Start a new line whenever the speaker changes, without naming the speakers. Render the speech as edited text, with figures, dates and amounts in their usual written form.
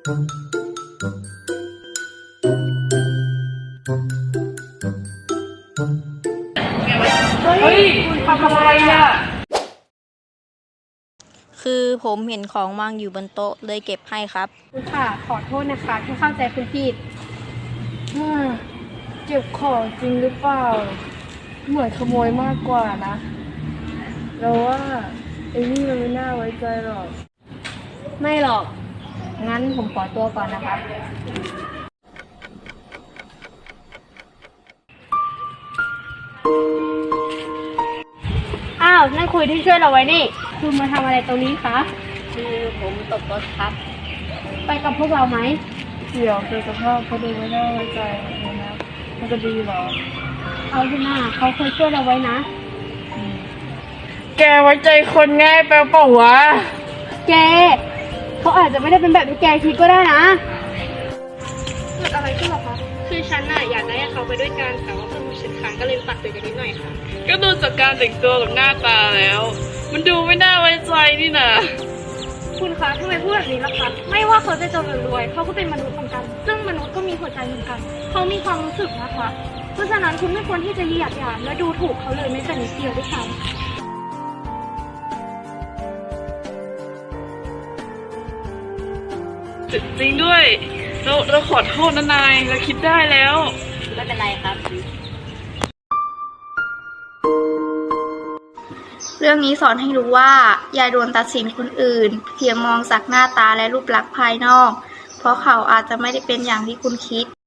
เฮ้ยคุณทำอะไรอ่ะ
คือผมเห็นของวางอยู่บนโต๊ะเลยเก็บให้ครับ
คุณค่ะขอโทษนะคะที่เข้าใจคุณผิด
เก็บของจริงหรือเปล่าเหมือนขโมยมากกว่านะเราว่าไอ้นี่มันไม่น่าไว้ใจหรอก
ไม่หรอก งั้นผมขอตัวก่อนนะคะอ้าวนั่นคุยที่ช่วยเราไว้นี่ คุณมาทำอะไรตรงนี้คะ
คือผมตกรถครับ
ไปกับพวกเราไหม
เดี๋ยวดูสภาพเขาดูไม่น่าไว้ใจเลยนะมันจะดีเหรอ
เอาที่หน้าเขาเคยช่วยเราไว้นะ
แกไว้ใจคนง่ายไปเปล่าวะ
แกเขาอาจจะไม่ได้เป็นแบบที่แกคิดก็ได้นะเกิดอะไรขึ้นหรอคะคือฉันน่ะอยากได้เขาไปด้วยกันแต่ว่าเพื่อนฉันค้างก็เลยตัดเตือนกันนิดหน่อยค่ะ
ก็ดูจากการแต่งตัวกับหน้าตาแล้ว มันดูไม่น่าไว้ใจนี่นะ
คุณคะทำไมพูดแบบนี้ล่ะคะไม่ว่าเขาจะจนหรือรวยเขาก็เป็นมนุษย์เหมือนกัน ซึ่งมนุษย์ก็มีหัวใจเหมือนกันเขามีความรู้สึกนะคะ เพราะฉะนั้นคุณไม่ควรที่จะเหยียดหยามและดูถูกเขาเลยแม้แต่นิดเดียวด้วยซ้ำ
จริงด้วยเราขอโทษนะนายเราคิดได้แล้ว
ไม่เป็นไรครับ เรื่องนี้สอนให้รู้ว่าอย่าด่วนตัดสินคนอื่น เพียงมองจากหน้าตาและรูปลักษณ์ภายนอก เพราะเขาอาจจะไม่ได้เป็นอย่างที่คุณคิด